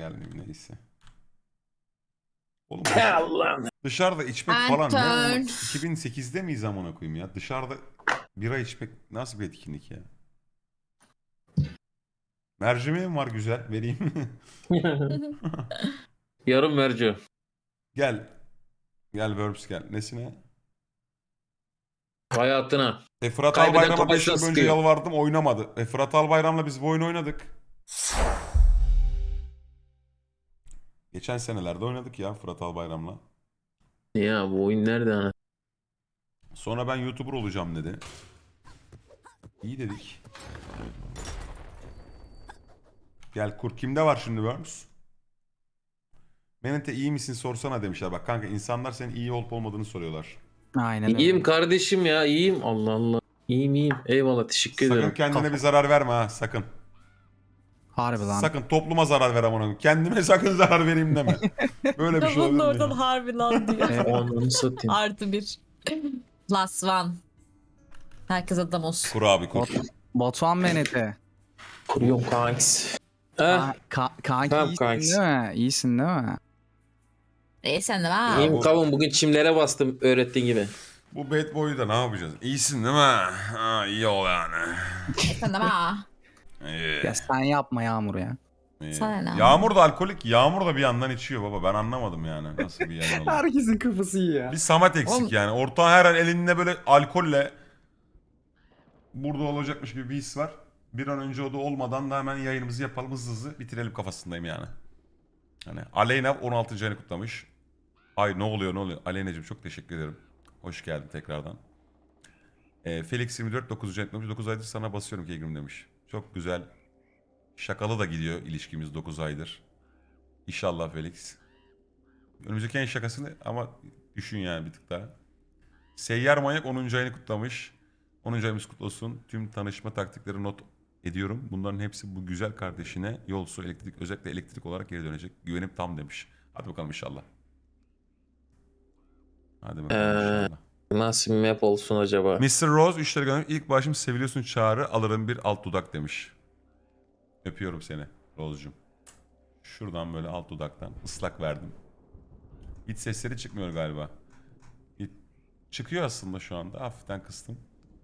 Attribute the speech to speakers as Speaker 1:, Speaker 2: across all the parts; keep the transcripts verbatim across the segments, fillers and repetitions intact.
Speaker 1: gelmeyeyim neyse. Oğlum
Speaker 2: Allah'ım.
Speaker 1: dışarıda içmek
Speaker 3: Ben
Speaker 1: falan ne?
Speaker 3: turn.
Speaker 1: Ama iki bin sekizde miyiz amına koyayım ya? Dışarıda bira içmek nasıl bir etkinlik ya? Mercimeğim var güzel vereyim.
Speaker 2: Yarım merci.
Speaker 1: Gel. Gel Verbs gel. Nesine?
Speaker 2: Hayatına.
Speaker 1: E Fırat
Speaker 2: Kaybeden
Speaker 1: Albayram'a beş yıl
Speaker 2: kafasına
Speaker 1: önce
Speaker 2: sıkıyor.
Speaker 1: yalvardım oynamadı. E Fırat Albayram'la biz bu oyunu oynadık. Geçen senelerde oynadık ya Fırat Albayram'la.
Speaker 2: Ya bu oyun nerede ana?
Speaker 1: Sonra ben YouTuber olacağım dedi. İyi dedik. Gel kur. Kimde var şimdi Worms? Menete iyi misin sorsana demişler. Bak kanka insanlar senin iyi olup olmadığını soruyorlar.
Speaker 4: Aynen öyle.
Speaker 2: İyiyim kardeşim ya iyiyim. Allah Allah. İyiyim iyiyim. Eyvallah teşekkür
Speaker 1: Sakın
Speaker 2: ederim.
Speaker 1: kendine bir zarar verme ha sakın.
Speaker 4: Harbi lan.
Speaker 1: Sakın topluma zarar ver amına koyayım. Kendime sakın zarar vereyim deme. Böyle bir şey
Speaker 3: Bunun
Speaker 1: olabilir
Speaker 3: oradan
Speaker 1: mi?
Speaker 3: harbi lan diyor.
Speaker 4: Evet.
Speaker 2: Ananı satayım.
Speaker 3: Artı bir. Plus one. Herkes adam olsun.
Speaker 1: Kur abi kur.
Speaker 4: Batu- Batuhan Menete.
Speaker 2: Kuruyorum kanks. Eh.
Speaker 4: Ka- ka- kanki
Speaker 2: Tamam,
Speaker 4: iyisin
Speaker 2: kanks.
Speaker 4: değil mi? İyisin değil mi?
Speaker 3: İyi sen de var.
Speaker 2: İyiyim
Speaker 1: bu-
Speaker 2: kavun bugün çimlere bastım öğrettiğin gibi.
Speaker 1: Bu bad boy'u da ne yapacağız? İyisin değil mi? Ha iyi ol yani.
Speaker 3: İyi sen de var.
Speaker 1: İyi.
Speaker 4: Ya sen yapma Yağmur ya.
Speaker 1: iyi.
Speaker 3: Sana ne?
Speaker 1: Yağmur da alkolik. Yağmur da bir yandan içiyor baba. Ben anlamadım yani. Nasıl bir yayın oldu?
Speaker 4: Herkesin kafası iyi ya.
Speaker 1: Bir Samet eksik
Speaker 3: Oğlum-
Speaker 1: yani. Orta her an elinde böyle alkolle burada olacakmış gibi bir his var. Bir an önce o da olmadan da hemen yayınımızı yapalım hızlı hızlı bitirelim kafasındayım yani. Hani Aleyna on altıncı ayını kutlamış. Ay ne oluyor ne oluyor. Aleyna'cığım çok teşekkür ederim. Hoş geldin tekrardan. Ee, Felix yirmi dört dokuzuncu ayını kutlamış. dokuz aydır sana basıyorum Kegrim demiş. Çok güzel. Şakalı da gidiyor ilişkimiz dokuz aydır. İnşallah Felix. Önümüzdeki en şakasını ama düşün yani bir tık daha. Seyyar Manyak onuncu ayını kutlamış. onuncu ayımız kutlu olsun. Tüm tanışma taktikleri not ediyorum. Bunların hepsi bu güzel kardeşine yol, su, elektrik, özellikle elektrik olarak geri dönecek. Güvenim tam demiş. Hadi bakalım inşallah. Hadi bakalım
Speaker 2: Ee,
Speaker 1: inşallah.
Speaker 2: Nasıl bir map olsun acaba?
Speaker 1: mister Rose üç lira göndermiş. İlk başım seviliyorsun çağrı alırım bir alt dudak demiş. Öpüyorum seni Rose'cum. Şuradan böyle alt dudaktan ıslak verdim. Hiç sesleri çıkmıyor galiba. Hiç- Çıkıyor aslında şu anda. Hafiften kıstım.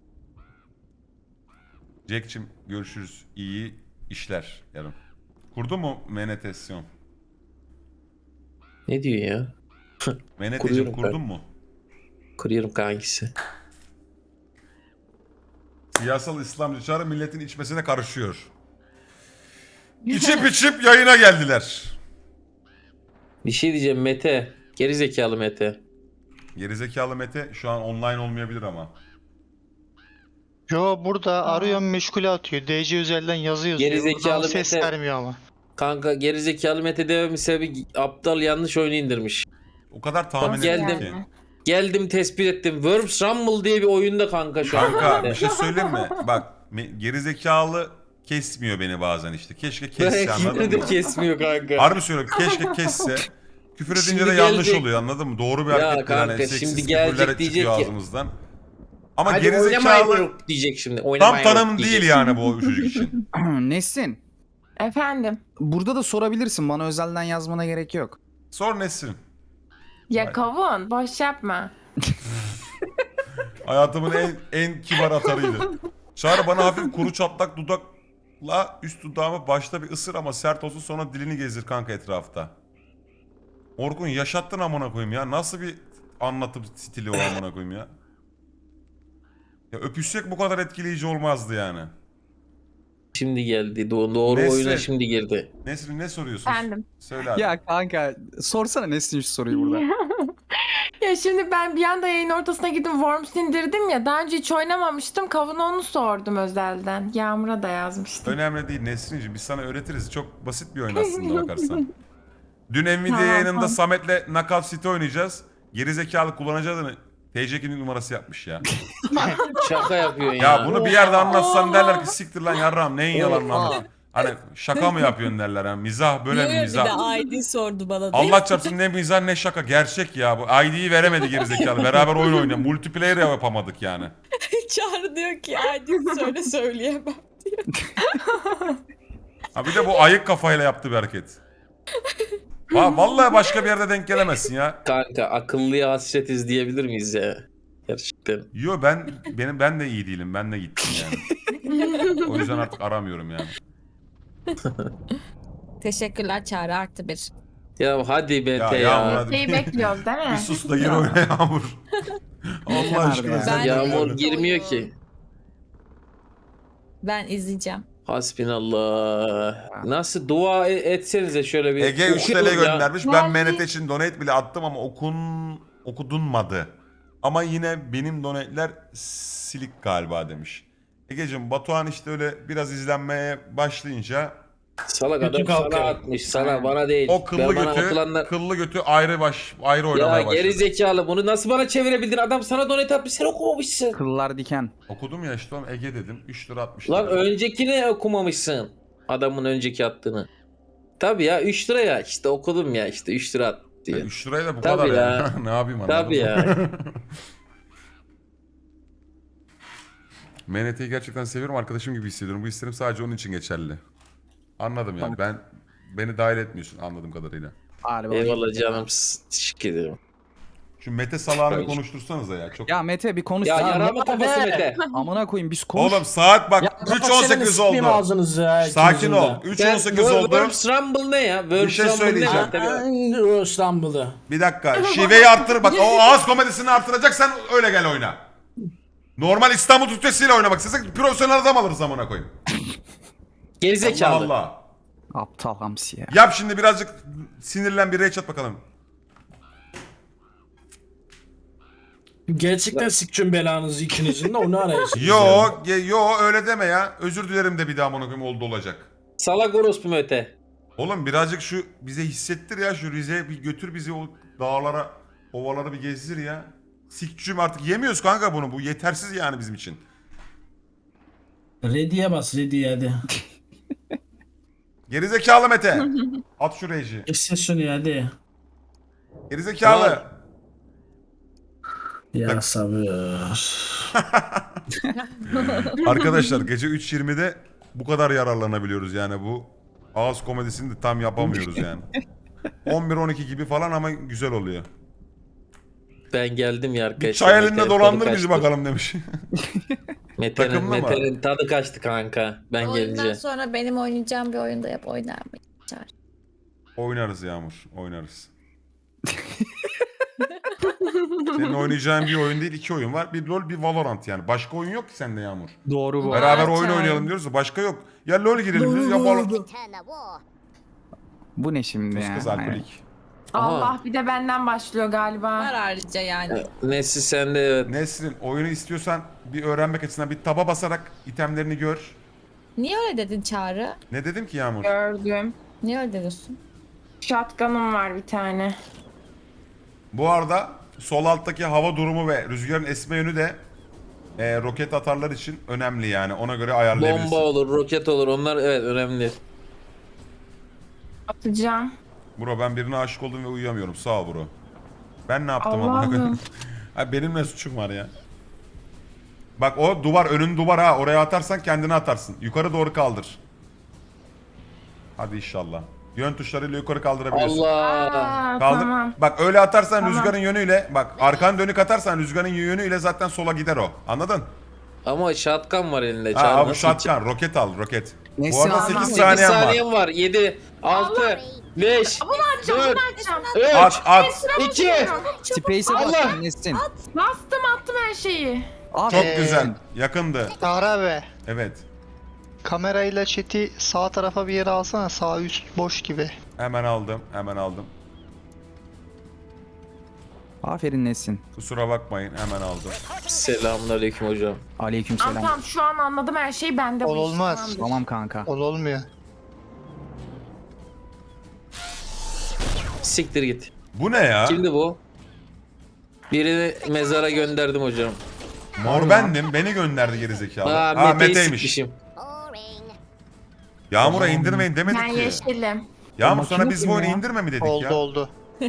Speaker 1: Jack'cim görüşürüz. İyi işler yarın. Kurdu mu menetasyon?
Speaker 2: Ne diyor ya?
Speaker 1: Meneteciğim
Speaker 2: Kuruyorum
Speaker 1: kurdun
Speaker 2: ben.
Speaker 1: mu?
Speaker 2: Kuruyorum kankisi.
Speaker 1: Siyasal İslamcı çağrı milletin içmesine karışıyor. İçip içip yayına geldiler.
Speaker 2: Bir şey diyeceğim Mete. Geri zekalı Mete.
Speaker 1: Gerizekalı Mete şu an online olmayabilir ama.
Speaker 5: Yo burada arıyorum meşgule atıyor. D C özelden yazı yazıyor.
Speaker 2: Gerizekalı
Speaker 5: Buradan ses
Speaker 2: Mete.
Speaker 5: vermiyor ama.
Speaker 2: Kanka geri zekalı Mete dememin sebebi aptal yanlış oyunu indirmiş.
Speaker 1: O kadar tahmin
Speaker 2: Bak
Speaker 1: ettim
Speaker 2: geldim.
Speaker 1: ki.
Speaker 2: Geldim tespit ettim. Worms Rumble diye bir oyunda kanka şu an.
Speaker 1: Kanka bir şey söyleyeyim mi? Bak me- gerizekalı kesmiyor beni bazen işte. Keşke kesse
Speaker 2: Kimse
Speaker 1: anladın
Speaker 2: de
Speaker 1: mı?
Speaker 2: kesmiyor kanka.
Speaker 1: Harbi söylüyorum keşke kesse. Küfür edince
Speaker 2: Şimdi
Speaker 1: de yanlış
Speaker 2: gelecek-
Speaker 1: oluyor anladın mı? Doğru bir
Speaker 2: Ya
Speaker 1: hareket değil. Hani
Speaker 2: kanka,
Speaker 1: seksiz
Speaker 2: şimdi
Speaker 1: küfürler
Speaker 2: gelecek diyecek
Speaker 1: çıkıyor
Speaker 2: ki-
Speaker 1: ağzımızdan. Ama
Speaker 2: Hadi
Speaker 1: gerizekalı
Speaker 2: oynamayın diyecek şimdi.
Speaker 1: tam
Speaker 2: Oynamayın
Speaker 1: tanım
Speaker 2: diyecek.
Speaker 1: değil yani bu çocuk için.
Speaker 4: Nesin?
Speaker 6: Efendim.
Speaker 4: Burada da sorabilirsin. Bana özelden yazmana gerek yok.
Speaker 1: Sor Nesrin.
Speaker 6: Ya
Speaker 1: Vay.
Speaker 6: kavun boş yapma.
Speaker 1: Hayatımın en en kibar atarıydı. Çağrı bana hafif kuru çatlak dudakla üst dudağımı başta bir ısır ama sert olsun sonra dilini gezdir kanka etrafta. Orkun yaşattın amına koyayım ya. Nasıl bir anlatım stili o amına koyayım ya. Ya öpüşsek bu kadar etkileyici olmazdı yani.
Speaker 2: Şimdi geldi. Do- doğru
Speaker 1: Nesrin.
Speaker 2: oyuna şimdi girdi.
Speaker 1: Nesrin ne soruyorsun?
Speaker 6: Efendim.
Speaker 1: Söyle hadi.
Speaker 4: Ya kanka sorsana Nesin şu soruyu burada.
Speaker 6: Ya şimdi ben bir anda yayın ortasına gidip Worms indirdim ya. Daha önce hiç oynamamıştım. Kavuna onu sordum özelden. Yağmur'a da yazmıştım.
Speaker 1: Önemli değil Nesrin'ciğim biz sana öğretiriz. Çok basit bir oyun aslında bakarsan. Dün Nvidia
Speaker 6: Tamam,
Speaker 1: yayınında
Speaker 6: tamam.
Speaker 1: Samet'le Knockout City oynayacağız. Gerizekalı kullanıcı adını T C kimlik numarası yapmış ya.
Speaker 2: Şaka yapıyorsun ya.
Speaker 1: Ya bunu bir yerde anlatsan derler ki siktir lan yarram neyin yalanını
Speaker 4: Oha.
Speaker 1: anlat. Hani şaka mı yapıyorsun derler yani mizah böyle
Speaker 3: Yo,
Speaker 1: bir
Speaker 3: yo,
Speaker 1: mizah.
Speaker 3: Bir de I D sordu bana. değil mi?
Speaker 1: Allah çarpsın ne mizah ne şaka gerçek ya bu I D'yi veremedi gerizekalı beraber oyun oynayan multiplayer yapamadık yani.
Speaker 3: Çağrı diyor ki I D söyle söyleyemem.
Speaker 1: Ha bir de bu ayık kafayla yaptığı bir hareket. Va vallahi başka bir yerde denk gelemezsin ya.
Speaker 2: Kanka akıllıya hasretiz diyebilir miyiz ya? Gerçekten.
Speaker 1: Yo ben benim ben de iyi değilim. Ben de gittim yani. O yüzden artık aramıyorum yani.
Speaker 3: Teşekkürler Çağrı artı bir.
Speaker 2: Ya hadi Mete
Speaker 1: Ya
Speaker 2: ya.
Speaker 1: Yağmur hadi.
Speaker 6: Şeyi bekliyoruz değil
Speaker 1: Bir
Speaker 6: mi?
Speaker 1: sus da gir oyna Yağmur. Allah
Speaker 4: Kenarda
Speaker 1: aşkına.
Speaker 4: ya.
Speaker 1: sen
Speaker 3: Ben-
Speaker 2: Yağmur
Speaker 1: gir.
Speaker 2: girmiyor ki.
Speaker 3: Ben izleyeceğim.
Speaker 2: Hasbinallah. Nasıl dua e- etsenize şöyle bir.
Speaker 1: Ege üç T L
Speaker 2: okuyalım ya.
Speaker 1: göndermiş. Ben
Speaker 6: Geldi.
Speaker 1: Menete için donate bile attım ama okun okudunmadı. Ama yine benim donate'ler silik galiba demiş. Egeciğim Batuhan işte öyle biraz izlenmeye başlayınca
Speaker 2: Salak
Speaker 7: Kötü
Speaker 2: adam
Speaker 7: kalkıyor.
Speaker 2: sana atmış. Sana bana değil.
Speaker 1: o kıllı
Speaker 2: Ben bana
Speaker 1: götü
Speaker 2: atılanlar...
Speaker 1: kıllı götü ayrı baş ayrı oynamaya
Speaker 2: Ya
Speaker 1: başladı.
Speaker 2: geri zekalı bunu nasıl bana çevirebildin? Adam sana donate atmış sen okumamışsın.
Speaker 4: Kıllar diken.
Speaker 1: Okudum ya işte oğlum Ege dedim. üç lira atmış.
Speaker 2: Lan
Speaker 1: dedim.
Speaker 2: öncekini okumamışsın. Adamın önceki attığını. Tabii ya üç lira ya işte okudum ya işte üç lira at
Speaker 1: Ya
Speaker 2: diyor.
Speaker 1: üç liraya da bu
Speaker 2: Tabii
Speaker 1: kadar
Speaker 2: ya.
Speaker 1: ya. Ne yapayım anladın
Speaker 2: Tabii
Speaker 1: mı?
Speaker 2: ya.
Speaker 1: M N T'yi gerçekten seviyorum. Arkadaşım gibi hissediyorum. Bu hislerim sadece onun için geçerli. Anladım yani. Ben beni dahil etmiyorsun anladığım kadarıyla.
Speaker 4: Harbi.
Speaker 2: Eyvallah canım. s- Teşekkür ederim.
Speaker 1: Şu Mete salağını bir
Speaker 2: Hayır.
Speaker 1: konuştursanıza ya. Çok...
Speaker 4: Ya Mete bir konuş.
Speaker 2: Ya
Speaker 4: Ya,
Speaker 2: yarama kafası
Speaker 7: be.
Speaker 2: Mete.
Speaker 4: amına koyayım biz konuş.
Speaker 1: Oğlum saat bak
Speaker 7: Ya,
Speaker 1: üç on sekiz oldu.
Speaker 7: Ağzınızı ya,
Speaker 1: Sakin
Speaker 7: ikinizin
Speaker 1: ol.
Speaker 7: de.
Speaker 1: üç
Speaker 2: Ben
Speaker 1: on sekiz
Speaker 2: Wor-
Speaker 1: oldu.
Speaker 2: Worms Rumble ne ya? Worms
Speaker 1: Bir şey
Speaker 2: Rumble ne?
Speaker 1: söyleyeceğim.
Speaker 2: Tabii.
Speaker 7: Ay, İstanbul'da.
Speaker 1: Bir dakika. Şiveyi arttır. Bak o ağız komedisini arttıracaksan öyle gel oyna. Normal İstanbul Türkçesiyle oynamak istesek profesyonel adam alırız amına koyayım.
Speaker 2: Gerizekalı.
Speaker 1: Allah Allah.
Speaker 4: Aptal hamsi ya.
Speaker 1: Yap şimdi birazcık sinirlen bir rage at bakalım.
Speaker 7: Gerçekten sikçün belanızı ikinizin de onu arayasınız.
Speaker 1: Yo,
Speaker 7: yani.
Speaker 1: ge- yo öyle deme ya. Özür dilerim de bir daha amına koyayım oldu olacak.
Speaker 2: Salak orospu Mete.
Speaker 1: Oğlum birazcık şu bize hissettir ya şu Rize'ye bir götür bizi o dağlara, ovalara bir gezdir ya. Sikçüm artık yemiyoruz kanka bunu. Bu yetersiz yani bizim için.
Speaker 7: Ready'ye bas ready'ye hadi.
Speaker 1: Gerizekalı Mete. At şu rage'i.
Speaker 7: Kes şunu hadi.
Speaker 1: Gerizekalı.
Speaker 7: Ya sabır.
Speaker 1: Arkadaşlar gece üç yirmide bu kadar yararlanabiliyoruz yani bu ağız komedisini de tam yapamıyoruz yani. on bir on iki gibi falan ama güzel oluyor.
Speaker 2: Ben geldim ya
Speaker 1: Bir
Speaker 2: arkadaşlar.
Speaker 1: çay elinde
Speaker 2: Mete'nin
Speaker 1: dolandır
Speaker 2: tadı
Speaker 1: bizi
Speaker 2: kaçtı.
Speaker 1: bakalım demiş.
Speaker 2: Mete'nin,
Speaker 1: Takımlı mı?
Speaker 2: Mete'nin tadı kaçtı kanka. Ben
Speaker 3: Oyundan
Speaker 2: gelince.
Speaker 3: sonra benim oynayacağım bir oyunda yap oynar mı? Çağrı.
Speaker 1: Oynarız Yağmur, oynarız. Senin oynayacağın bir oyun değil, iki oyun var. Bir LoL, bir Valorant yani. Başka oyun yok ki sende Yağmur.
Speaker 4: Doğru bu.
Speaker 3: Var.
Speaker 1: Beraber oyun
Speaker 3: Çağrı.
Speaker 1: oynayalım diyoruz da başka yok. Ya LoL girelim diyoruz ya Valorant.
Speaker 4: Bu ne şimdi
Speaker 1: Kız
Speaker 4: ya?
Speaker 1: kız
Speaker 4: Aynen.
Speaker 1: alkolik.
Speaker 2: Aha.
Speaker 6: Allah bir de benden başlıyor galiba.
Speaker 3: Var ayrıca yani.
Speaker 2: Nesli sende evet.
Speaker 1: Nesrin oyunu istiyorsan bir öğrenmek açısından bir taba basarak itemlerini gör.
Speaker 3: Niye öyle dedin Çağrı?
Speaker 1: Ne dedim ki Yağmur?
Speaker 6: Gördüm.
Speaker 3: Niye öyle diyorsun?
Speaker 6: Shotgun'um var bir tane.
Speaker 1: Bu arada sol alttaki hava durumu ve rüzgarın esme yönü de e, roket atarlar için önemli yani. Ona göre ayarlayabilirsin.
Speaker 2: Bomba olur, roket olur. Onlar evet önemli.
Speaker 6: Atacağım.
Speaker 1: Bro ben birine aşık oldum ve uyuyamıyorum. Sağ ol bro. Ben ne yaptım ama?
Speaker 6: Allah'ım.
Speaker 1: Ha, benim ne suçum var ya? Bak o duvar önün duvar ha. Oraya atarsan kendini atarsın. Yukarı doğru kaldır. Hadi inşallah. Yön tuşlarıyla yukarı kaldırabiliyorsun.
Speaker 2: Allah.
Speaker 6: Aa,
Speaker 1: Kaldır.
Speaker 6: tamam.
Speaker 1: Bak öyle atarsan
Speaker 6: Tamam.
Speaker 1: rüzgarın yönüyle bak arkan dönük atarsan rüzgarın yönüyle zaten sola gider o. Anladın?
Speaker 2: Ama shotgun var elinde.
Speaker 1: Ha,
Speaker 2: Çağrı,
Speaker 1: abi
Speaker 2: nasıl
Speaker 1: shotgun, roket al, roket.
Speaker 4: Neyse,
Speaker 1: Bu arada
Speaker 4: tamam.
Speaker 1: sekiz
Speaker 2: sekiz
Speaker 1: saniyen var.
Speaker 2: saniyem var. yedi, altı, beş,
Speaker 6: Bunu açacağım,
Speaker 2: dört,
Speaker 6: bunu açacağım.
Speaker 1: At
Speaker 2: üç,
Speaker 1: at.
Speaker 2: iki.
Speaker 4: Space'e
Speaker 2: Allah!
Speaker 4: bak Nesin.
Speaker 6: Bastım attım her şeyi.
Speaker 1: Çok
Speaker 5: Ee,
Speaker 1: güzel. Yakındı.
Speaker 5: Çağrı abi.
Speaker 1: Evet.
Speaker 5: Kamerayla chat'i sağ tarafa bir yere alsana. Sağ üst boş gibi.
Speaker 1: Hemen aldım. Hemen aldım.
Speaker 4: Aferin Nesin.
Speaker 1: Kusura bakmayın. Hemen aldım.
Speaker 2: Selamünaleyküm hocam.
Speaker 4: Aleykümselam.
Speaker 6: Tamam tamam şu an anladım her şeyi bende. bu
Speaker 5: Ol
Speaker 6: iş,
Speaker 5: olmaz.
Speaker 6: tamamdır.
Speaker 4: Tamam kanka.
Speaker 5: Ol olmuyor.
Speaker 2: Siktir git.
Speaker 1: Bu ne ya?
Speaker 2: Kimdi bu? Birini mezara gönderdim hocam.
Speaker 1: Mor bendim. Beni gönderdi gerizekalı.
Speaker 2: Aa,
Speaker 1: Ha
Speaker 2: Mete'yi
Speaker 1: Mete'ymiş.
Speaker 2: sikmişim.
Speaker 1: Yağmur'a indirmeyin demedik
Speaker 6: Ben
Speaker 1: ki.
Speaker 6: yeşilim.
Speaker 1: Yağmur
Speaker 4: O
Speaker 1: sana
Speaker 4: makine
Speaker 1: biz
Speaker 4: kim
Speaker 1: bu oyunu
Speaker 4: ya?
Speaker 1: indirme mi dedik
Speaker 5: Oldu
Speaker 1: ya?
Speaker 5: oldu.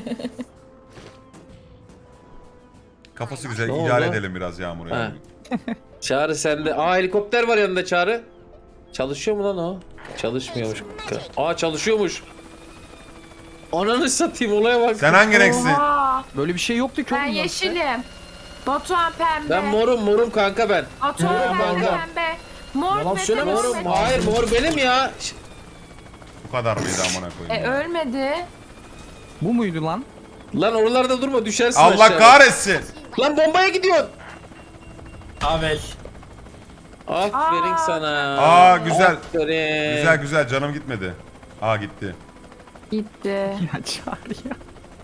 Speaker 1: Kafası güzel.
Speaker 2: Ne
Speaker 1: idare
Speaker 2: oldu?
Speaker 1: edelim biraz Yağmur'u.
Speaker 2: Ha.
Speaker 1: ya.
Speaker 2: Çağrı sende. Aa helikopter var yanında Çağrı. Çalışıyor mu lan o? Çalışmıyormuş. Aa çalışıyormuş. Ananı satayım olaya bak.
Speaker 1: Sen hangi renksin?
Speaker 6: Oha.
Speaker 4: Böyle bir şey yoktu ki
Speaker 6: Ben
Speaker 4: oğlum. ya.
Speaker 6: yeşilim. Batuhan pembe.
Speaker 2: Ben morum morum kanka ben.
Speaker 6: Batuhan
Speaker 2: Morum
Speaker 6: pembe
Speaker 2: kanka.
Speaker 6: pembe. Mor
Speaker 7: Yalan
Speaker 6: Mete
Speaker 7: söyleme
Speaker 6: mor
Speaker 7: oğlum,
Speaker 6: Mete.
Speaker 2: Hayır mor benim ya. Ş-
Speaker 1: Bu kadar mıydı amına
Speaker 6: E
Speaker 1: koyayım? ya?
Speaker 6: ölmedi.
Speaker 4: Bu muydu lan?
Speaker 2: Lan oralarda durma düşersin
Speaker 1: Allah
Speaker 2: aşağıya.
Speaker 1: kahretsin.
Speaker 2: Lan bombaya gidiyorsun.
Speaker 7: Avel.
Speaker 2: Aferin
Speaker 6: Aa.
Speaker 2: sana.
Speaker 1: Aa, güzel.
Speaker 2: Aferin.
Speaker 1: Güzel güzel canım gitmedi. Aa gitti.
Speaker 6: Gitti.
Speaker 4: Ya Çağrı ya.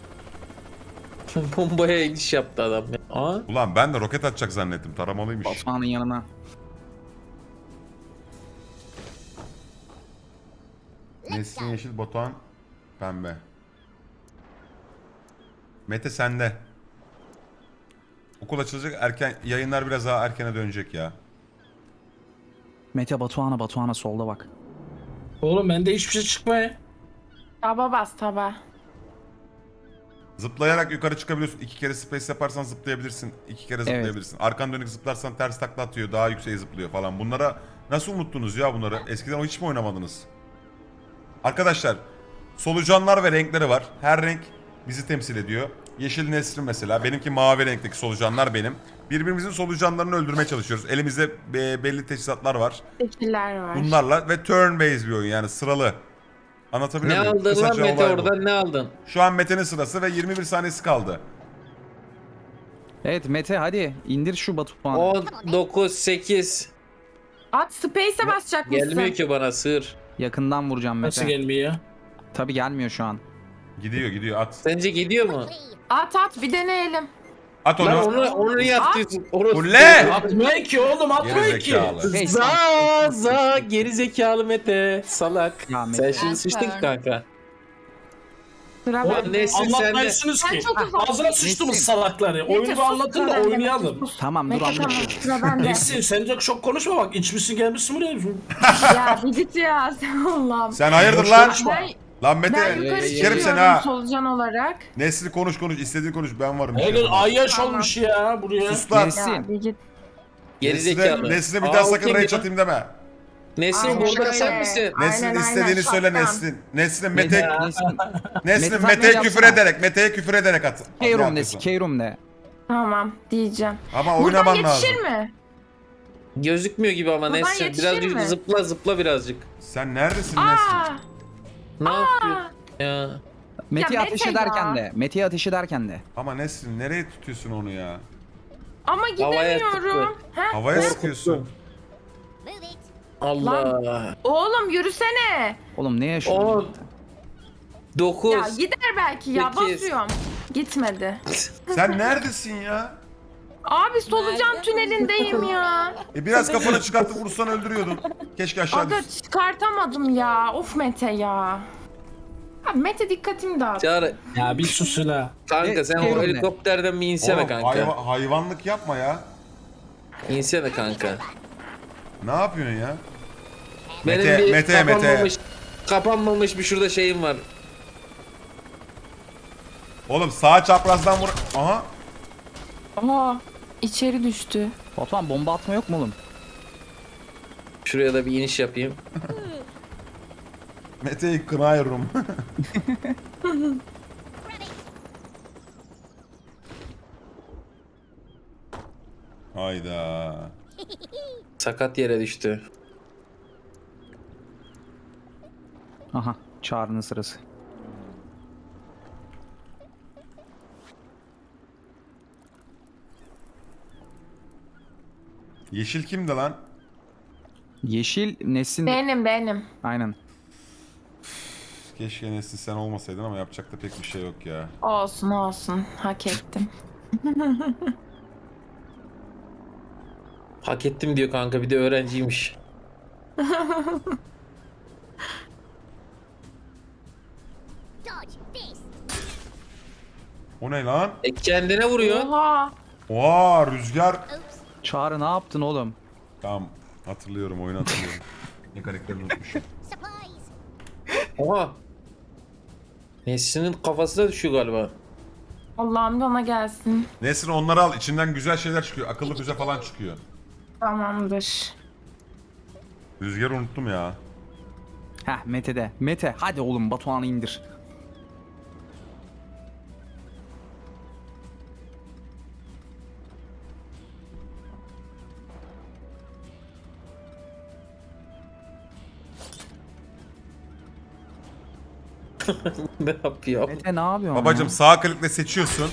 Speaker 2: Bombaya iniş yaptı adam ya. Aa.
Speaker 1: Ulan ben de roket atacak zannettim. Taramalıymış.
Speaker 4: Batuhan'ın yanına.
Speaker 1: Nesin yeşil, Batuhan pembe. Mete sende. Okul açılacak, erken yayınlar biraz daha erkene dönecek ya.
Speaker 4: Mete Batuhan'a Batuhan'a solda bak.
Speaker 7: Oğlum bende hiçbir şey çıkmıyor.
Speaker 6: Taba bas taba.
Speaker 1: Zıplayarak yukarı çıkabiliyorsun. İki kere space yaparsan zıplayabilirsin. İki kere zıplayabilirsin. Arkan dönük zıplarsan ters takla atıyor. Daha yükseğe zıplıyor falan. Bunlara nasıl unuttunuz ya bunları? Eskiden o hiç mi oynamadınız? Arkadaşlar solucanlar ve renkleri var. Her renk bizi temsil ediyor. Yeşil Nesrin mesela. Benimki mavi renkteki solucanlar benim. Birbirimizin solucanlarını öldürmeye çalışıyoruz. Elimizde be- belli teçhizatlar var.
Speaker 6: Teşekkürler var.
Speaker 1: Bunlarla ve turn based bir oyun yani sıralı. Anlatabiliyor
Speaker 2: Ne
Speaker 1: muyum?
Speaker 2: aldın lan
Speaker 1: Kısaca
Speaker 2: Mete
Speaker 1: olay bu.
Speaker 2: oradan ne aldın?
Speaker 1: Şu an Mete'nin sırası ve yirmi bir saniyesi kaldı.
Speaker 4: Evet Mete hadi indir şu Batuhan'ı.
Speaker 2: on dokuz sekiz.
Speaker 6: At space'e basacak mısın?
Speaker 2: Gelmiyor ki bana sığır.
Speaker 4: Yakından vuracağım
Speaker 7: Nasıl
Speaker 4: Mete.
Speaker 7: gelmiyor?
Speaker 4: Tabi gelmiyor şu an.
Speaker 1: Gidiyor gidiyor at.
Speaker 2: Sence gidiyor mu?
Speaker 6: At at bir deneyelim.
Speaker 1: At
Speaker 2: Lan
Speaker 1: onu.
Speaker 2: onu, onu niye atıyorsun? Orası-
Speaker 1: Ulle!
Speaker 7: Atmıyor ki oğlum atmıyor
Speaker 1: Geri
Speaker 7: ki.
Speaker 1: zekalı.
Speaker 4: Hey,
Speaker 2: Za za geri zekalı Mete salak.
Speaker 4: Ya
Speaker 2: Sen
Speaker 4: Mete.
Speaker 2: şimdi sıçtın ki kanka.
Speaker 6: Sıra
Speaker 2: Ulan
Speaker 6: bende.
Speaker 2: Nesin sende.
Speaker 7: Anlatmıyorsunuz
Speaker 6: Sen
Speaker 7: ki.
Speaker 6: çok uzak.
Speaker 7: Ağzına sıçtınız
Speaker 4: Nesin?
Speaker 7: salakları. Oyunu
Speaker 6: Mete,
Speaker 7: da
Speaker 6: sus,
Speaker 7: anlatın da
Speaker 6: sıra bende.
Speaker 7: oynayalım.
Speaker 6: Sus.
Speaker 4: Tamam dur
Speaker 6: Mete tamam
Speaker 4: anlatıyorum.
Speaker 6: sıra bende.
Speaker 7: Nesin sen de çok konuşma bak içmişsin gelmişsin buraya.
Speaker 6: Ya bir git ya Allah'ım.
Speaker 1: Sen hayırdır
Speaker 7: Boş
Speaker 1: lan?
Speaker 7: konuşma.
Speaker 6: Ben,
Speaker 1: Lan
Speaker 6: ben
Speaker 1: Mete
Speaker 6: yukarı
Speaker 1: sikerim seni
Speaker 6: çıkıyorum
Speaker 1: ha.
Speaker 6: solucan olarak.
Speaker 1: Nesli konuş konuş istediğin konuş ben varım. bir şey
Speaker 7: Helal
Speaker 1: yapamam.
Speaker 7: ayyaş
Speaker 6: Tamam.
Speaker 7: olmuş ya buraya.
Speaker 1: Sus lan.
Speaker 4: Nesin?
Speaker 6: Ya bir git.
Speaker 2: Geri
Speaker 1: Nesli'ne,
Speaker 2: zekalı.
Speaker 1: Nesli'ne bir
Speaker 2: Aa,
Speaker 1: daha
Speaker 2: o
Speaker 1: sakın
Speaker 2: kim
Speaker 1: rage
Speaker 2: ya?
Speaker 1: atayım deme.
Speaker 2: Nesin
Speaker 6: Aynen
Speaker 2: burada
Speaker 6: öyle.
Speaker 2: sen misin?
Speaker 1: Neslin
Speaker 6: Aynen,
Speaker 1: istediğini
Speaker 6: aynen,
Speaker 1: söyle
Speaker 6: şapkan.
Speaker 1: Neslin. Neslin Mete,
Speaker 4: Nesin?
Speaker 1: Neslin
Speaker 4: Mete,
Speaker 1: Mete'ye
Speaker 4: sen
Speaker 1: küfür
Speaker 4: yapsana.
Speaker 1: ederek, Mete'ye küfür ederek at. Ne
Speaker 4: Keyrum de
Speaker 1: yapıyorsun?
Speaker 4: Keyrum de.
Speaker 6: Tamam diyeceğim.
Speaker 1: Ama
Speaker 6: Buradan
Speaker 1: oynaman
Speaker 6: yetişir
Speaker 1: lazım.
Speaker 6: mi?
Speaker 2: Gözükmüyor gibi ama
Speaker 6: Buradan
Speaker 2: Nesin.
Speaker 6: yetişir
Speaker 2: Birazcık
Speaker 6: mi?
Speaker 2: zıpla zıpla birazcık.
Speaker 1: Sen neredesin
Speaker 6: Aa,
Speaker 1: Neslin?
Speaker 2: Ne yapıyorsun ya?
Speaker 4: Mete'yi
Speaker 6: Mete
Speaker 4: ateş
Speaker 6: ya.
Speaker 4: ederken de. Mete'yi ateş ederken de.
Speaker 1: Ama Neslin nereye tutuyorsun onu ya?
Speaker 6: ama
Speaker 2: Havaya
Speaker 6: gidemiyorum. Ha?
Speaker 1: Havaya sıkıyorsun.
Speaker 2: Allah.
Speaker 6: Oğlum yürüsene.
Speaker 4: Oğlum ne yaşıyorsun?
Speaker 2: on dokuz
Speaker 6: Ya gider belki ya
Speaker 2: Sekiz.
Speaker 6: basıyorum. Gitmedi.
Speaker 1: Sen neredesin ya?
Speaker 6: Abi solucan tünelindeyim ya.
Speaker 1: E biraz kafanı çıkartıp vursan öldürüyordun. Keşke aşağı
Speaker 6: Aga
Speaker 1: düşsün.
Speaker 6: çıkartamadım ya. Of Mete ya. Abi Mete dikkatimi dağıt.
Speaker 2: Çağrı.
Speaker 7: Ya bir sus la.
Speaker 2: Kanka
Speaker 4: Ne-
Speaker 2: sen o
Speaker 4: Keyrum ne?
Speaker 2: helikopterden bir insene
Speaker 1: Oğlum
Speaker 2: kanka.
Speaker 1: hayva- hayvanlık yapma ya.
Speaker 2: İnsene kanka.
Speaker 1: Ne yapıyorsun ya?
Speaker 2: Benim
Speaker 1: Mete,
Speaker 2: bir
Speaker 1: Mete, Mete.
Speaker 2: kapanmamış, kapanmamış bir şurada şeyim var.
Speaker 1: Oğlum sağ çaprazdan vur. Aha.
Speaker 6: Aa içeri düştü.
Speaker 4: Batuhan bomba atma yok mu oğlum?
Speaker 2: Şuraya da bir iniş yapayım.
Speaker 1: Mete'yi kınıyorum. Hayda.
Speaker 2: Sakat yere düştü.
Speaker 4: Aha Çağrı'nın sırası.
Speaker 1: Yeşil kimdi lan?
Speaker 4: Yeşil Nesin.
Speaker 6: Benim benim.
Speaker 4: Aynen.
Speaker 1: Keşke Nesin sen olmasaydın ama yapacak da pek bir şey yok ya.
Speaker 6: Olsun olsun. Hak ettim.
Speaker 2: Hak ettim diyor kanka bir de öğrenciymiş.
Speaker 1: O ne lan?
Speaker 2: E kendine vuruyor.
Speaker 6: Oha.
Speaker 1: Oha rüzgar.
Speaker 4: Çağrı ne yaptın oğlum?
Speaker 1: Tamam hatırlıyorum oyunu hatırlıyorum. Ne karakterini unutmuşum.
Speaker 2: Oha. Nesin'in kafasına düşüyor galiba.
Speaker 6: Allah'ım bana gelsin.
Speaker 1: Nesrin onları al içinden güzel şeyler çıkıyor. Akıllı füze falan çıkıyor.
Speaker 6: Tamamdır.
Speaker 1: Rüzgarı unuttum ya.
Speaker 4: Heh Mete de. Mete hadi oğlum Batuhan'ı indir.
Speaker 2: Ne yapıyor?
Speaker 4: Mete ne yapıyorsun
Speaker 1: Babacım
Speaker 4: ya?
Speaker 1: sağ klikle seçiyorsun.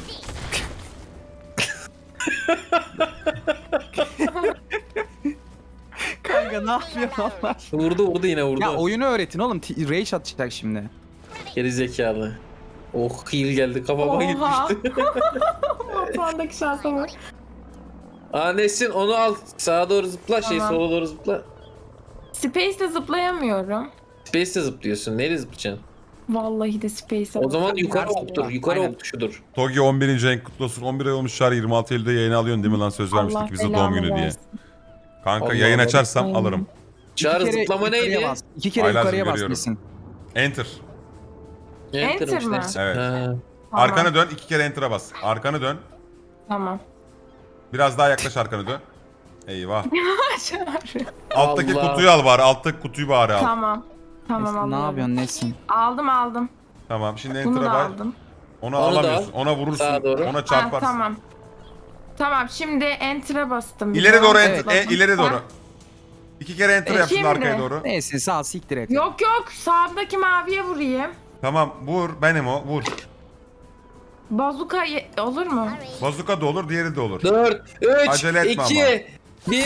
Speaker 4: Kanka ne yapıyorsun Allah aşkına?
Speaker 2: Vurdu vurdu yine vurdu.
Speaker 4: Ya oyunu öğretin oğlum. T- Rage atacak şimdi.
Speaker 2: Geri zekalı. Oh heal geldi kafama
Speaker 6: Oha.
Speaker 2: gitmişti.
Speaker 6: Batuhan'daki şansa bak.
Speaker 2: Aa Nesin onu al. Sağa doğru zıpla şey
Speaker 6: Tamam.
Speaker 2: sola doğru zıpla.
Speaker 6: Space'de zıplayamıyorum.
Speaker 2: Space'de zıplıyorsun. Neyle zıplayacaksın?
Speaker 6: Vallahi de Space'e
Speaker 2: O zaman yukarı
Speaker 4: Yukarı
Speaker 2: oktur.
Speaker 4: zıpla.
Speaker 2: Yukarı
Speaker 4: Aynen.
Speaker 2: ok tuşudur.
Speaker 1: Togi on birinci renk kutlu olsun. on bir ay olmuş çağrı yirmi altı Eylül'de yayını alıyorsun değil mi lan? Söz vermiştik
Speaker 6: Allah
Speaker 1: bize doğum
Speaker 6: belamı
Speaker 1: günü diye.
Speaker 6: versin.
Speaker 1: Kanka
Speaker 2: Allah
Speaker 1: yayın
Speaker 2: Allah.
Speaker 1: açarsam
Speaker 6: Aynen.
Speaker 1: alırım.
Speaker 2: Çağrı
Speaker 4: İki kere
Speaker 2: zıplama
Speaker 4: yukarıya
Speaker 2: neydi?
Speaker 4: bas. İki kere
Speaker 1: Aylaz'cığım
Speaker 4: yukarıya bas
Speaker 1: görüyorum.
Speaker 4: Nesin.
Speaker 1: Enter.
Speaker 6: Enter mi?
Speaker 2: işte.
Speaker 1: Evet.
Speaker 2: Ha.
Speaker 6: Tamam.
Speaker 1: Arkana dön, iki kere enter'a bas. Arkanı dön.
Speaker 6: Tamam.
Speaker 1: Biraz daha yaklaş, arkanı dön. Eyvah.
Speaker 6: Çağrı.
Speaker 1: Alttaki
Speaker 2: Allah.
Speaker 1: kutuyu al bari. Alttaki kutuyu bari al. Tamam.
Speaker 6: Tamam. Tamam
Speaker 4: Nesin,
Speaker 6: alıyorum.
Speaker 4: ne yapıyorsun Nesin?
Speaker 6: Aldım aldım.
Speaker 1: Şimdi
Speaker 6: Bunu
Speaker 1: enter'a
Speaker 6: da
Speaker 1: bas.
Speaker 6: aldım.
Speaker 1: Onu,
Speaker 2: Onu da
Speaker 1: alamıyorsun.
Speaker 2: al.
Speaker 1: Ona vurursun.
Speaker 2: Sağa doğru.
Speaker 1: Ona
Speaker 6: Ha,
Speaker 1: çarparsın.
Speaker 6: tamam. Tamam şimdi enter'a bastım. bir
Speaker 1: İleri
Speaker 6: daha.
Speaker 1: doğru
Speaker 4: Evet.
Speaker 1: enter. E, ileri
Speaker 6: Ha?
Speaker 1: doğru. İki kere enter
Speaker 6: E,
Speaker 1: yap şimdi
Speaker 6: şimdi?
Speaker 1: arkaya doğru.
Speaker 4: Neyse sağ siktir et.
Speaker 6: Yok yok sağdaki maviye vurayım.
Speaker 1: Tamam vur. Benim o. Vur.
Speaker 6: Bazuka ye- olur mu?
Speaker 1: Bazuka da olur, diğeri de olur.
Speaker 2: dört,
Speaker 1: Acele
Speaker 2: üç,
Speaker 1: etme
Speaker 2: iki, bir.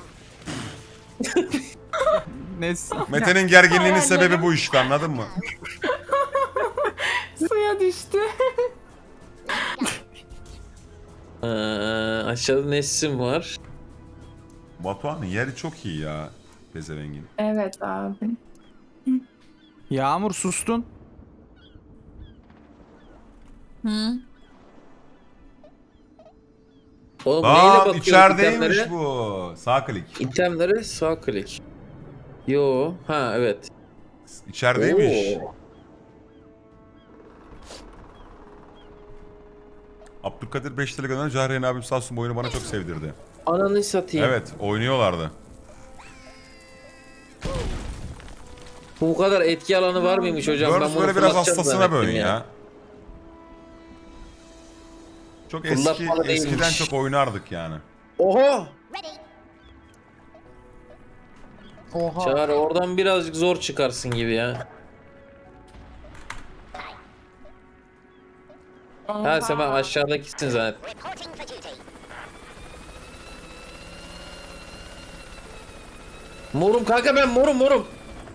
Speaker 4: Nesin.
Speaker 1: Mete'nin gerginliğinin
Speaker 6: Hayallerim.
Speaker 1: sebebi bu işte, anladın mı?
Speaker 6: Suya düştü.
Speaker 2: Ee, aşağıda Nesin var.
Speaker 1: Batuhan'ın yeri çok iyi ya. Bezevengin.
Speaker 6: Evet abi.
Speaker 4: Yağmur sustun.
Speaker 3: Hı?
Speaker 2: Oğlum neyle
Speaker 1: Aa
Speaker 2: bakıyoruz
Speaker 1: içerideymiş
Speaker 2: itemlere?
Speaker 1: bu. Sağ klik.
Speaker 2: İtemlere sağ klik. Yo, ha evet.
Speaker 1: İçerideymiş.
Speaker 2: Oo.
Speaker 1: Abdülkadir beş lira gönderen Cahreyn abim sağ olsun, bu oyunu bana çok sevdirdi.
Speaker 2: Ananı satayım.
Speaker 1: Evet, oynuyorlardı.
Speaker 2: Bu kadar etki alanı var mıymış hocam?
Speaker 1: Gördüğünüz
Speaker 2: Ben bunu
Speaker 1: böyle biraz
Speaker 2: fırlatacağım
Speaker 1: hastasına
Speaker 2: zannettim
Speaker 1: bölün ya. Çok eski,
Speaker 2: Fırlatmalı
Speaker 1: eskiden
Speaker 2: değilmiş.
Speaker 1: çok oynardık yani.
Speaker 2: Oha!
Speaker 3: Oha.
Speaker 2: Çağrı oradan birazcık zor çıkarsın gibi ya. Ha sen ben aşağıdakisin zaten. Morum kanka, ben morum morum.